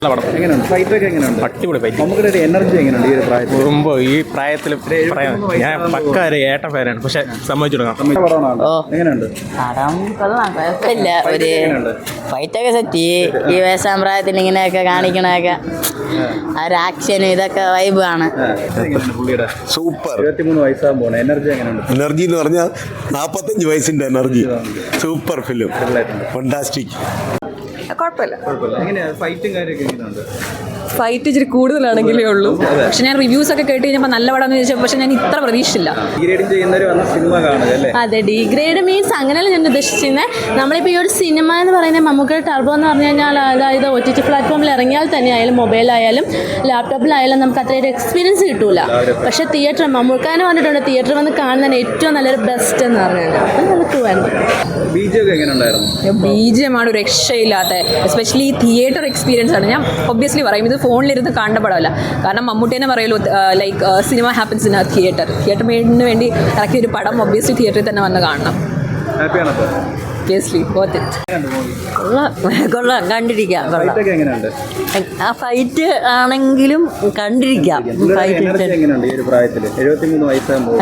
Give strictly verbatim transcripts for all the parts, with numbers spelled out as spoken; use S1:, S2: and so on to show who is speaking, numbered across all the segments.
S1: എങ്ങനെയുണ്ട് ഫൈറ്റ് ഒക്കെ എങ്ങനെയുണ്ട്?
S2: അടിപൊളി ഫൈറ്റ്.
S1: നമുക്കൊരു എനർജി എങ്ങനെയുണ്ട് ഈ ഒരു പ്രായത്തിൽ?
S2: മുമ്പ് ഈ പ്രായത്തിൽ ഞാൻ പക്ക ഒരു ഏട്ട പേരാണ്, പക്ഷെ സമ്മതിച്ചു കൊടുക്കാം.
S1: എങ്ങനെയുണ്ട്?
S3: പടം കൊള്ളാം, കുഴപ്പമില്ല. ഒരു ഫൈറ്റൊക്കെ സെറ്റ്. ഈ വയസ്സാം പ്രായത്തിൽ ഇങ്ങനെയൊക്കെ കാണിക്കണൊക്കെ ആ ഒരു ആക്ഷനും ഇതൊക്കെ വൈബ് ആണ്.
S1: പുള്ളിയുടെ
S4: സൂപ്പർ.
S1: ഇരുപത്തിമൂന്ന് വയസ്സാകുമ്പോൾ പോണ എനർജി എങ്ങനെയുണ്ട്?
S4: എനർജി എന്ന് പറഞ്ഞാൽ നാൽപ്പത്തഞ്ച് വയസ്സിന്റെ എനർജി. Super film, fantastic.
S5: കുഴപ്പമില്ല.
S1: എങ്ങനെയാ ഫൈറ്റും കാര്യമൊക്കെ എങ്ങനെയുണ്ട്?
S5: ഫൈറ്റ് ഇച്ചിരി കൂടുതലാണെങ്കിലേ ഉള്ളൂ. പക്ഷെ ഞാൻ റിവ്യൂസ് ഒക്കെ കേട്ട് കഴിഞ്ഞപ്പോൾ നല്ല പടം എന്ന് ചോദിച്ചാൽ പക്ഷെ ഞാൻ ഇത്ര പ്രതീക്ഷിച്ചില്ല.
S1: ഡിഗ്രേഡ് ചെയ്യുന്നവർ വന്ന സിനിമ കാണുക അല്ലേ?
S6: അതെ, ഡിഗ്രേഡ് മീൻസ് അങ്ങനെയല്ല ഞാൻ ഉദ്ദേശിച്ചിരുന്നത്. നമ്മളിപ്പോൾ ഈ ഒരു സിനിമ എന്ന് പറയുന്നത് മമ്മൂക്കയുടെ ടർബോ എന്ന് പറഞ്ഞു കഴിഞ്ഞാൽ അതായത് ഒ ടി ടി പ്ലാറ്റ്ഫോമിൽ ഇറങ്ങിയാൽ തന്നെ ആയാലും മൊബൈലായാലും ലാപ്ടോപ്പിലായാലും നമുക്ക് അത്രയൊരു എക്സ്പീരിയൻസ് കിട്ടൂല. പക്ഷേ തിയേറ്റർ മമ്മൂക്കാന് പറഞ്ഞിട്ടുണ്ട് തിയേറ്റർ വന്ന് കാണുന്നതിന് ഏറ്റവും നല്ലൊരു ബെസ്റ്റ് എന്ന് പറഞ്ഞു കഴിഞ്ഞാൽ അപ്പം നല്ല ട്രൂ ആണ്.
S1: ബി ജി ഒക്കെ എങ്ങനെ ഉണ്ടായിരുന്നു?
S5: ബി ജി എം ആണ് ഒരു രക്ഷയില്ലാത്ത, എസ്പെഷ്യലി തിയേറ്റർ എക്സ്പീരിയൻസ് ആണ്. ഞാൻ ഒബ്വിയസ്ലി പറയും ഇത് ഫോണിലിരുന്ന് കാണേണ്ട പടമല്ല. കാരണം മമ്മൂട്ടി തന്നെ പറയുമല്ലോ, like cinema happens in theatre. Theatre മേഡിന് വേണ്ടി ഇറക്കിയ ഒരു പടം ഒബ്വിയസ്ലി തിയേറ്ററിൽ തന്നെ വന്ന് കാണണം.
S1: ഹാപ്പിയാണ് അപ്പോൾ?
S5: Obviously worth it.
S3: കൊള്ളാം കൊള്ളാം, കണ്ടിരിക്കാം.
S1: ഫൈറ്റ് ഒക്കെ എങ്ങനെയുണ്ട്?
S3: ആ ഫൈറ്റ് ആണെങ്കിലും കണ്ടിരിക്കാം.
S1: എനർജി എങ്ങനെയുണ്ട് ഈ ഒരു പ്രായത്തിൽ? എഴുപത്തിമൂന്ന് വയസ്സാകുമ്പോൾ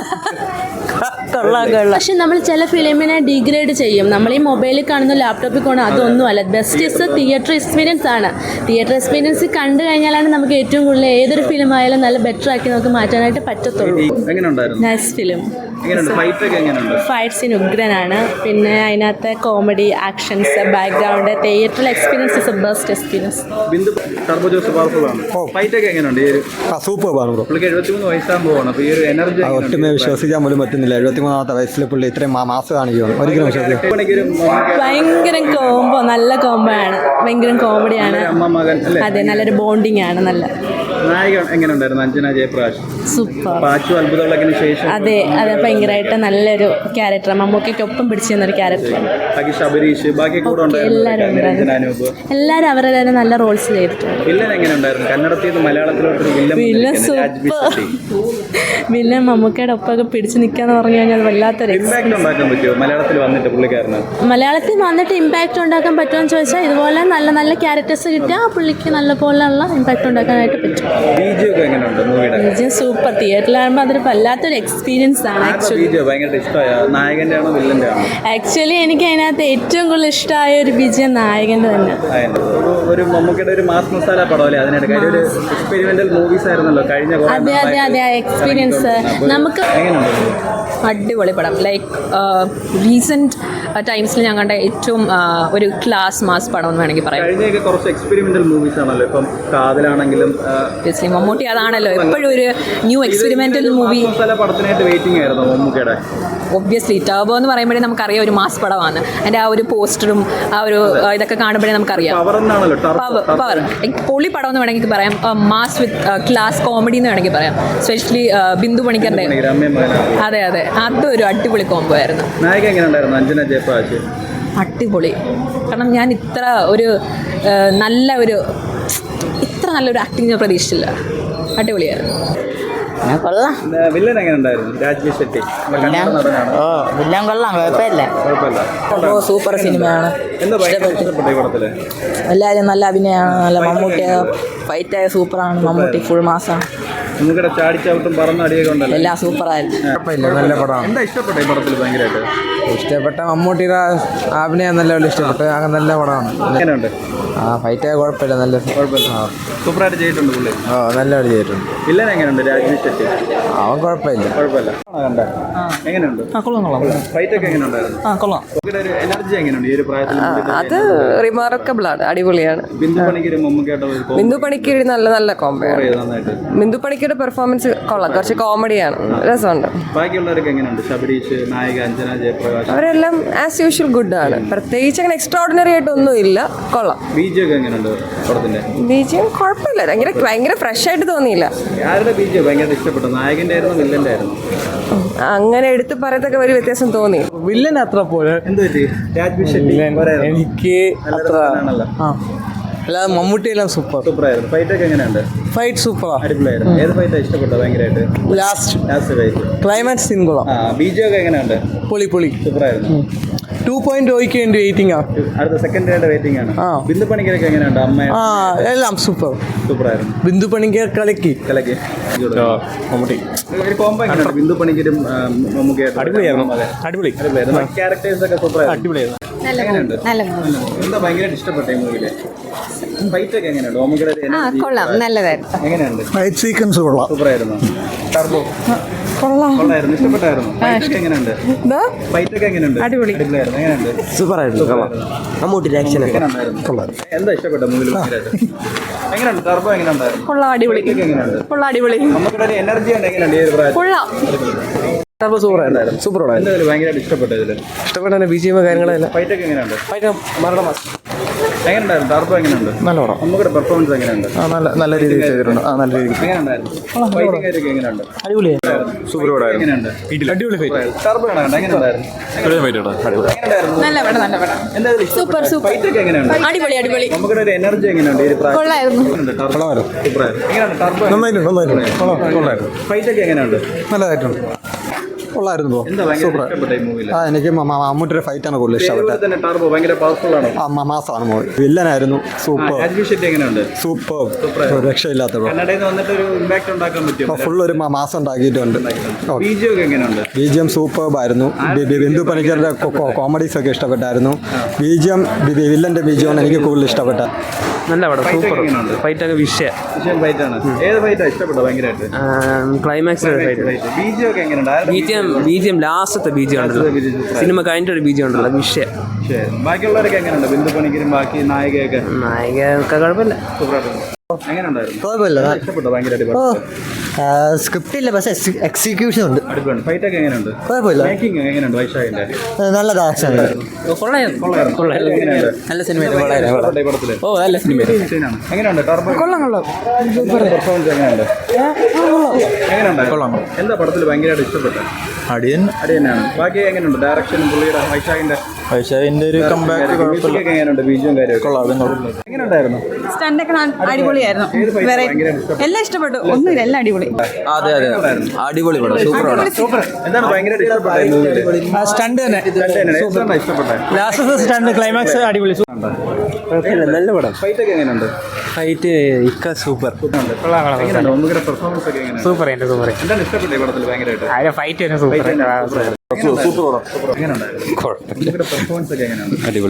S3: കൊള്ളാം കൊള്ളാം.
S6: പക്ഷെ നമ്മൾ ചില ഫിലിമിനെ ഡിഗ്രേഡ് ചെയ്യും. നമ്മൾ ഈ മൊബൈലിൽ കാണുന്ന ലാപ്ടോപ്പിൽ കാണുന്ന അതൊന്നും അല്ല. ബെസ്റ്റ് ഇസ് തിയേറ്റർ എക്സ്പീരിയൻസ് ആണ്. തിയേറ്റർ എക്സ്പീരിയൻസ് കണ്ടു കഴിഞ്ഞാലാണ് നമുക്ക് ഏറ്റവും കൂടുതൽ ഏതൊരു ഫിലിം ആയാലും നല്ല ബെറ്റർ ആക്കി നമുക്ക് മാറ്റാനായിട്ട് പറ്റത്തുള്ളൂ.
S1: എങ്ങനെയുണ്ടായിരുന്നു?
S6: Nice film.
S1: എങ്ങനെയുണ്ട് ഫൈറ്റ് ഒക്കെ എങ്ങനെയുണ്ട്?
S6: ഫൈറ്റ് സീൻ ഉഗ്രനാണ്. പിന്നെ അതിനകത്തെ കോമഡി, ആക്ഷൻസ്, ബാക്ക്ഗ്രൗണ്ട്, തിയേറ്ററിൽ experience is a best experience.
S1: Bindu Turbo Jose powerful ആണ്. ഫൈറ്റ് ഒക്കെ എങ്ങനെയുണ്ട് ഈ ഒരു?
S4: സൂപ്പർ ആണ് ബ്രോ.
S1: പുള്ളിക്ക് എഴുപത്തിമൂന്ന് വയസ്സാകുമ്പോൾ പോകണം. അപ്പോൾ ഈ ഒരു എനർജി
S4: ഒട്ടുമേ വിശ്വസിക്കാൻ പോലും പറ്റുന്നില്ല. എഴുപത്തിമൂന്നാമത്തെ വയസ്സിൽ പുള്ളി ഇത്രയും മാസം കാണിക്കുകയാണ്. ഒരിക്കലും വിശ്വസിക്കും.
S6: ഭയങ്കര കോംബോ, നല്ല കോംബോ ആണ്. ഭയങ്കര കോമഡിയാണ്.
S1: അമ്മ മകൻ അല്ലേ?
S6: അതെ, നല്ലൊരു ബോണ്ടിങ് ആണ്. നല്ല
S1: നായിക എങ്ങനെയുണ്ടായിരുന്നു? അഞ്ജന ജയപ്രകാശ്
S6: സൂപ്പർ.
S1: പാച്ചു അത്ഭുതമുള്ളതിന് ശേഷം
S6: അതെ അതെ, ഭയങ്കരമായിട്ട് നല്ലൊരു ക്യാരക്ടർ. മമ്മൂക്കൊപ്പം പിടിച്ചു തന്നൊരു ക്യാരക്ടറാണ്.
S1: ബാക്കി ശബരീഷ് ബാക്കി കൂടെ ഉണ്ടായിരുന്നു.
S6: എല്ലാവരും അവരുടെ നല്ല റോൾസ് ചെയ്തിട്ടുണ്ട്.
S1: വില്ലൻ എങ്ങനെ ഉണ്ടായിരുന്നു? കന്നഡത്തിൽ നിന്ന് മലയാളത്തിലോട്ടൊരു വില്ലൻ
S6: വില്ലൻ സൂപ്പർ. വില്ലൻ മമ്മൂക്കയുടെ ഒപ്പമൊക്കെ പിടിച്ചു നിൽക്കാന്ന് പറഞ്ഞു കഴിഞ്ഞാൽ അത് വല്ലാത്തൊരു
S1: ഇമ്പാക്ട് ഉണ്ടാക്കാൻ പറ്റുമോ മലയാളത്തിൽ വന്നിട്ട് പുള്ളിക്കാരന്?
S6: മലയാളത്തിൽ വന്നിട്ട് ഇമ്പാക്റ്റ് ഉണ്ടാക്കാൻ പറ്റുമെന്ന് ചോദിച്ചാൽ ഇതുപോലെ നല്ല നല്ല ക്യാരക്ടേഴ്സ് കിട്ടിയാൽ ആ പുള്ളിക്ക് നല്ല പോലെയുള്ള ഇമ്പാക്റ്റ് ഉണ്ടാക്കാനായിട്ട് പറ്റും.
S1: ബിജി ഒക്കെ എങ്ങനെയുണ്ട് മൂവിയുടെ?
S6: ബിജി സൂപ്പർ. തിയേറ്ററിലാകുമ്പോൾ അതൊരു വല്ലാത്തൊരു എക്സ്പീരിയൻസ് ആണ്. ആക്ച്വലി
S1: ഭയങ്കര ഇഷ്ടമായ നായകന്റെ ആണോ വില്ലന്റെ ആണോ?
S6: ആക്ച്വലി എനിക്ക് അതിനകത്ത് ഏറ്റവും കൂടുതൽ ഇഷ്ടമായ ഒരു ബിജി നായകന്റെ തന്നെ.
S1: ഒരു മമ്മൂക്കയുടെ ഒരു മാസ് മസാല പടം അല്ലേ? അതിനിടയ്ക്ക് ഒരു എക്സ്പെരിമെന്റൽ മൂവീസ് ആയിരുന്നല്ലോ കഴിഞ്ഞ.
S6: അതെ അതെ അതെ, ആ എക്സ്പീരിയൻസ് നമുക്ക്
S5: അടിപൊളി പടം. ലൈക്ക് റീസെൻറ്റ് ടൈംസിൽ ഞാൻ കണ്ട ഏറ്റവും ഒരു ക്ലാസ് മാസ് പടം എന്ന് വേണമെങ്കിൽ പറയാം.
S1: കഴിഞ്ഞൊക്കെ കുറച്ച് എക്സ്പെരിമെന്റൽ മൂവീസ് ആണല്ലോ. ഇപ്പം കാതലാണെങ്കിലും
S5: മമ്മൂട്ടി അതാണല്ലോ എപ്പോഴും ഒരു ന്യൂ എക്സ്പെരിമെന്റൽ മൂവി.
S1: പടത്തിനായിട്ട് വെയിറ്റിംഗ് ആയിരുന്നു മമ്മൂക്കയുടെ.
S5: ഒബ്വിയസ്ലി ടർബോ എന്ന് പറയുമ്പോഴേ നമുക്കറിയാം ഒരു മാസ് പടമാണ്. അതിൻ്റെ ആ ഒരു പോസ്റ്ററും ആ ഒരു ഇതൊക്കെ കാണുമ്പോഴേ നമുക്കറിയാം പവർ. പൊളി പടം എന്ന് വേണമെങ്കിൽ പറയാം. മാസ് വിത്ത് ക്ലാസ് കോമഡി എന്ന് വേണമെങ്കിൽ പറയാം. സ്പെഷ്യലി ബിന്ദു പണിക്കറിന്റെ. അതെ അതെ, അതൊരു അടിപൊളി കോംബോ ആയിരുന്നു.
S1: നായിക എങ്ങനെ ഉണ്ടായിരുന്നു? അഞ്ജന ജയപ്രകാശ്
S5: അടിപൊളി. കാരണം ഞാൻ ഇത്ര ഒരു നല്ല ഒരു ഇത്ര നല്ലൊരു ആക്ടിങ് ഞാൻ പ്രതീക്ഷിച്ചില്ല. അടിപൊളിയായിരുന്നു.
S3: കൊള്ളാം.
S1: വില്ലൻ എങ്ങനെ ഉണ്ടായിരുന്നു? രാജ്വി ഷെട്ടി
S3: ഓ വില്ലൻ കൊള്ളാം, കുഴപ്പമില്ല.
S1: കുഴപ്പമില്ല.
S5: ഓ സൂപ്പർ സിനിമയാണ്.
S1: എന്താ ഇഷ്ടപ്പെട്ടു ഈ പടത്തില്?
S5: എല്ലാവരും നല്ല അഭിനയമാണ്. നല്ല മമ്മൂട്ടി ഫൈറ്റായ സൂപ്പറാണ്. മമ്മൂട്ടി ഫുൾ മാസാണ്.
S1: നിങ്ങളുടെ ചാടിച്ചാവട്ടും പറന്ന അടിയൊക്കെ ഉണ്ടല്ലോ.
S5: എല്ലാം സൂപ്പറായിരുന്നു.
S4: നല്ല പടമാണ്.
S1: എന്താ ഇഷ്ടപ്പെട്ട ഈ പടത്തിൽ ഭയങ്കരമായിട്ട്?
S4: ഇഷ്ടപ്പെട്ട മമ്മൂട്ടിയുടെ അഭിനയം നല്ലപോലെ ഇഷ്ടപ്പെട്ടു. അങ്ങനെ നല്ല പടമാണ്.
S1: എങ്ങനെയുണ്ട്?
S4: ആ ഫൈറ്റ് കുഴപ്പമില്ല, നല്ല
S1: കുഴപ്പമില്ല, സൂപ്പറായിട്ട് ചെയ്തിട്ടുണ്ട് പുള്ളി.
S4: ഓ നല്ലപോലെ ചെയ്തിട്ടുണ്ട്.
S1: വില്ലൻ എങ്ങനെയുണ്ട്? രാജ്വി ഷെട്ടി
S4: അവൻ കുഴപ്പമില്ല.
S1: കുഴപ്പമില്ല. എങ്ങനെയുണ്ട്? ഫൈറ്റ് ഒക്കെ എങ്ങനെ ഉണ്ടായിരുന്നു? ഒരു എനർജി എങ്ങനെയുണ്ട് ഈ ഒരു പ്രായത്തിൽ?
S5: അത് റിമാർക്കബിൾ ആണ്, അടിപൊളിയാണ്.
S1: ബിന്ദു പണിക്കര് മമ്മൂക്കയുടെ
S5: ബിന്ദു പണിക്കര് നല്ല നല്ല കോംബോ.
S1: നന്നായിട്ട്
S5: ബിന്ദു പണിക്കരുടെ പെർഫോമൻസ് കൊള്ളാം, കുറച്ച് കോമഡിയാണ്, രസമുണ്ട്.
S1: ബാക്കിയുള്ളവരൊക്കെ എങ്ങനെയുണ്ട്? ശബരീഷ്, നായിക അഞ്ജന ജയപ്രകാശ്,
S5: അവരെല്ലാം ആസ് യൂഷ്വൽ ഗുഡ് ആണ്. പ്രത്യേകിച്ച് അങ്ങനെ എക്സ്ട്രാordinary ആയിട്ടൊന്നും ഇല്ല, കൊള്ളാം.
S1: ബിജി ഒക്കെ എങ്ങനെയുണ്ട് പടത്തിന്റെ?
S5: ബിജിയും കുഴപ്പമില്ല, ഭയങ്കര ഭയങ്കര ഫ്രഷ് ആയിട്ട് തോന്നിയില്ല.
S1: ആരുടെ ബിജി ഭയങ്കര ഇഷ്ടപ്പെട്ടു? നായകന്റെ ആയിരുന്നു വില്ലന്റെ ആയിരുന്നു?
S5: അങ്ങനെ എടുത്ത് പറയത്തൊക്കെ ഒരു വ്യത്യാസം തോന്നി.
S7: വില്ലൻ അത്ര പോലെ
S1: എന്ത് പറ്റി? രാജ്വി ഷെട്ടി
S7: എനിക്ക് അത്ര അല്ലാതെ മമ്മൂട്ടി എല്ലാം സൂപ്പർ
S1: സൂപ്പറായിരുന്നു. ഫൈറ്റ് ഒക്കെ എങ്ങനെയുണ്ട്?
S7: ഫൈറ്റ് സൂപ്പറാ,
S1: അടിപൊളിയായിരുന്നു. ഏത് ഫൈറ്റാ ഇഷ്ടപ്പെട്ടത് ഭയങ്കരമായിട്ട്?
S7: Last
S1: last fight
S7: climax scene കൊള്ളാം.
S1: ആ ബിജി ഒക്കെ എങ്ങനെയുണ്ട്?
S7: പൊളി പൊളി
S1: സൂപ്പറായിരുന്നു.
S7: ടു പോയിന്റ് ഓയ്ക്ക് വേണ്ടി വെയിറ്റിംഗ് ആ
S1: അടുത്ത സെക്കൻഡ് ഡേയുടെ വെയിറ്റിംഗ് ആണ്.
S7: ആ.
S1: ബിന്ദു പണിക്കരൊക്കെ എങ്ങനെയുണ്ട്? അമ്മ
S7: ആ എല്ലാം സൂപ്പർ.
S1: സൂപ്പറായിരുന്നു.
S7: ബിന്ദു പണിക്കർ കളക്കി
S1: കലക്ക്
S2: മമ്മൂട്ടി
S1: ഒരു കോമ്പോ എങ്ങനെയുണ്ട്? ബിന്ദു പണിക്കരും ആ, മമ്മൂക്കയായിട്ടും
S2: അടിപൊളിയായിരുന്നു. അടിപൊളി
S1: അടിപൊളിയായിരുന്നു. ക്യാരക്ടേഴ്സ് ഒക്കെ സൂപ്പറായിരുന്നു.
S2: അടിപൊളിയായിരുന്നു.
S1: എങ്ങനെയുണ്ട്? എന്താ ഭയങ്കരമായിട്ട് ഇഷ്ടപ്പെട്ട ഈ മൂവിയില്? ഫൈറ്റ് ഒക്കെ എങ്ങനെയുണ്ട്? മമ്മൂക്കയുടെ ഒരു energy.
S3: കൊള്ളാം, നല്ലതായിരുന്നു.
S1: എങ്ങനെയുണ്ട്?
S7: ഫൈറ്റ് സീക്വൻസ് കൊള്ളാം.
S1: സൂപ്പറായിരുന്നു. ടർബോ കൊള്ളായിരുന്നു. ഇഷ്ടപ്പെട്ടായിരുന്നു. ഫൈറ്റ് ഒക്കെ എങ്ങനെയുണ്ട്? ഫൈറ്റ് ഒക്കെ എങ്ങനെയുണ്ട്? അടിപൊളിയായിരുന്നു. എങ്ങനെയുണ്ട്?
S7: സൂപ്പറായിരുന്നു. മമ്മൂട്ടി ആക്ഷൻ
S1: എങ്ങനെയുണ്ടായിരുന്നു? എന്താ ഇഷ്ടപ്പെട്ട മൂവിയിൽ ഭയങ്കരമായിട്ട്? എങ്ങനെയുണ്ട്? ടർബോ എങ്ങനെയുണ്ടായിരുന്നു?
S5: കൊള്ളാം, അടിപൊളി.
S1: Fight ഒക്കെ എങ്ങനെയുണ്ട്?
S5: കൊള്ളാം, അടിപൊളി.
S1: മമ്മൂക്കയുടെ ഒരു എനർജി ഉണ്ട്. എങ്ങനെയുണ്ട് ഈ ഒരു പ്രായത്തിൽ?
S5: കൊള്ളാം.
S7: സൂപ്പറായിരുന്നു. സൂപ്പറായിരുന്നു.
S1: എന്തായാലും ഭയങ്കരമായിട്ട് ഇഷ്ടപ്പെട്ട ഇതില്
S7: ഇഷ്ടപ്പെട്ട ബി ജി എം കാര്യങ്ങളെല്ലാം
S1: ഫൈറ്റ് ഒക്കെ എങ്ങനെയുണ്ട്?
S7: മരണ മാസം
S1: എങ്ങനെയുണ്ടായിരുന്നു? ടർബോ എങ്ങനെയുണ്ട്?
S7: നല്ല പടം.
S1: മമ്മൂക്കയുടെ പെർഫോമൻസ് എങ്ങനെയുണ്ട്?
S7: ആ നല്ല നല്ല രീതിയിൽ ചെയ്തിട്ടുണ്ട്. ആ നല്ല രീതിയിൽ
S1: എങ്ങനെയുണ്ടായിരുന്നു? ഫൈറ്റിംഗ് ഒക്കെ എങ്ങനെയുണ്ട്?
S7: അടിപൊളിയായിരുന്നു.
S2: സൂപ്പർ പടമായിരുന്നു.
S1: എങ്ങനെയുണ്ട്?
S2: അടിപൊളി ഫൈറ്റ്.
S1: ടർബോ എങ്ങനെയുണ്ട്? എങ്ങനെയുണ്ടായിരുന്നു? എങ്ങനെയുണ്ടായിരുന്നു?
S5: നല്ല പടം, നല്ല പടം.
S1: എന്താ ഇതിൽ ഇഷ്ടപ്പെട്ട? ഫൈറ്റ് ഒക്കെ എങ്ങനെയുണ്ട്?
S5: അടിപൊളി, അടിപൊളി.
S1: മമ്മൂക്കയുടെ ഒരു എനർജി എങ്ങനെയുണ്ട് ഈ ഒരു പ്രായത്തിൽ?
S5: കൊള്ളായിരുന്നു.
S1: എങ്ങനെയുണ്ട്? ടർബോ സൂപ്പറായിരുന്നു. എങ്ങനെയുണ്ട്? ടർബോ
S7: നന്നായിരുന്നു. നന്നായിരുന്നു. കൊള്ളായിരുന്നു.
S1: ഫൈറ്റ് ഒക്കെ എങ്ങനെയുണ്ട്?
S7: നല്ലതായിട്ടുണ്ട്. കൊള്ളായിരുന്നു.
S1: എന്താ ഭയങ്കര ഇഷ്ടപ്പെട്ട ഈ മൂവിയിൽ?
S7: ആ എനിക്ക് മമ്മൂട്ടിയുടെ ഫൈറ്റാണ് കൂടുതൽ
S1: ഇഷ്ടപ്പെട്ടത്. തന്നെ ടർബോ ഭയങ്കര പവർഫുൾ ആണോ?
S7: ആ മാസമാണ് മൂവി. വില്ലനായിരുന്നു. സൂപ്പർ
S1: രാജ്വി ഷെട്ടി എങ്ങനെയുണ്ട്?
S7: സൂപ്പർ രക്ഷയില്ലാത്ത
S1: കന്നഡയിൽ നിന്ന് വന്നിട്ട് ഒരു ഇമ്പാക്ട് ഉണ്ടാക്കാൻ പറ്റും.
S7: ഫുൾ ഒരു മാസം ഉണ്ടാക്കിയിട്ടുണ്ട്.
S1: ബിജി ഒക്കെ എങ്ങനെയുണ്ട്?
S7: ബി ജി എം സൂപ്പർബായിരുന്നു. ബിന്ദു പണിക്കരുടെ കോമഡീസ് ഒക്കെ ഇഷ്ടപ്പെട്ടായിരുന്നു. ബി ജി എം വില്ലന്റെ ബി ജി എം എനിക്ക് കൂടുതൽ ഇഷ്ടപ്പെട്ട.
S2: നല്ല പടം.
S1: Fight ഒക്കെ
S2: സൂപ്പർ
S1: എങ്ങനെയുണ്ട്?
S2: ഫൈറ്റ് ഒക്കെ വിഷയ
S1: വിഷയം ഫൈറ്റ് ആണ്. ഏത് ഫൈറ്റാ ഇഷ്ടപ്പെട്ടത് ഭയങ്കരമായിട്ട്?
S2: Climax fight.
S1: ബിജി ഒക്കെ എങ്ങനെയുണ്ട്? ആരുടെ
S2: B G M B G M ലാസ്റ്റത്തെ ബി ജി ഉണ്ടല്ലോ,
S1: B G M super.
S2: സിനിമ കഴിഞ്ഞിട്ട് ഒരു ബി ജി ഉണ്ടല്ലോ വിഷയ.
S1: ശരി. ബാക്കിയുള്ളവരൊക്കെ എങ്ങനെയുണ്ട്? ബിന്ദു പണിക്കരും ബാക്കി നായികയൊക്കെ
S2: നായിക ഒക്കെ കുഴപ്പമില്ല.
S1: സൂപ്പറായിരുന്നു. എങ്ങനെയുണ്ടായിരുന്നു?
S7: കുഴപ്പമില്ല.
S1: ഇഷ്ടപ്പെട്ടോ? ഭയങ്കരമായിട്ട്
S7: സ്ക്രിപ്റ്റ് ഇല്ല, പക്ഷേ എക്സിക്യൂഷൻ ഉണ്ട്.
S1: അടിപൊളിയാണ്. ഫൈറ്റ് ഒക്കെ എങ്ങനെയുണ്ട്?
S7: കുഴപ്പമില്ല.
S1: മേക്കിംഗ് എങ്ങനെയുണ്ട്? വൈശാഖിന്റെ
S7: നല്ലത് ആക്ഷൻ.
S1: എങ്ങനെയുണ്ട്?
S2: നല്ല സിനിമ.
S1: ഇഷ്ടപ്പെട്ടോ ഈ പടത്തില്?
S2: ഓ നല്ല സിനിമ.
S1: സീനാണ്. എങ്ങനെയുണ്ട്? ടർബോ പെർഫോമൻസ് എങ്ങനെയുണ്ട്? എങ്ങനെയുണ്ട്? എന്താ പടത്തിൽ ഭയങ്കരമായിട്ട് ഇഷ്ടപ്പെട്ടത്?
S7: അടിയൻ
S1: അടി തന്നെയാണ്. ബാക്കി എങ്ങനെയുണ്ട്? ഡയറക്ഷനും പുള്ളിയുടെ വൈശാഖിന്റെ
S7: വൈശാഖിന്റെ ഒരു കമ്പാക്ക്
S1: മ്യൂസിക് ഒക്കെ എങ്ങനെയുണ്ട്? ബീജും കാര്യമൊക്കെ എങ്ങനെയുണ്ടായിരുന്നു?
S8: സ്റ്റണ്ടൊക്കെ അടിപൊളിയായിരുന്നു.
S1: ഏത് fight
S8: വേറെ
S1: ഭയങ്കര ഇഷ്ടപ്പെട്ടു?
S8: എല്ലാം ഇഷ്ടപ്പെട്ടു. ഒന്നുമില്ല, എല്ലാം അടിപൊളി.
S7: അതെ അതെ അടിപൊളി പടം. സൂപ്പർ പടം.
S1: സൂപ്പർ. എന്താണ് ഭയങ്കരമായിട്ട് ഇഷ്ടപ്പെട്ടത് ഈ മൂവിയില്?
S7: സ്റ്റണ്ട് തന്നെ.
S1: രണ്ട് തന്നെയാണ്. എന്താണ് ഇഷ്ടപ്പെട്ടത്?
S7: ലാസ്റ്റ് സ്റ്റണ്ട് ക്ലൈമാക്സ് അടിപൊളി.
S2: നല്ല പടം.
S1: ഫൈറ്റ് ഒക്കെ എങ്ങനെയുണ്ട്?
S2: ഫൈറ്റ് ഇക്ക സൂപ്പർ.
S1: എങ്ങനെയുണ്ട്? ഒന്നുകൂടെ പെർഫോമൻസ് ഒക്കെ എങ്ങനെയാണ്?
S2: സൂപ്പർ എൻ്റെ സൂപ്പർ.
S1: എന്താണ് ഇഷ്ടപ്പെട്ടത് ഈ പടത്തിൽ ഭയങ്കരമായിട്ട്?
S2: ഫൈറ്റ് തന്നെ സൂപ്പർ.
S1: Fight തന്നെ സൂപ്പർ. എങ്ങനെയുണ്ടായിരുന്നു? ഒന്നുകൂടെ പെർഫോമൻസ് ഒക്കെ എങ്ങനെയാണ്?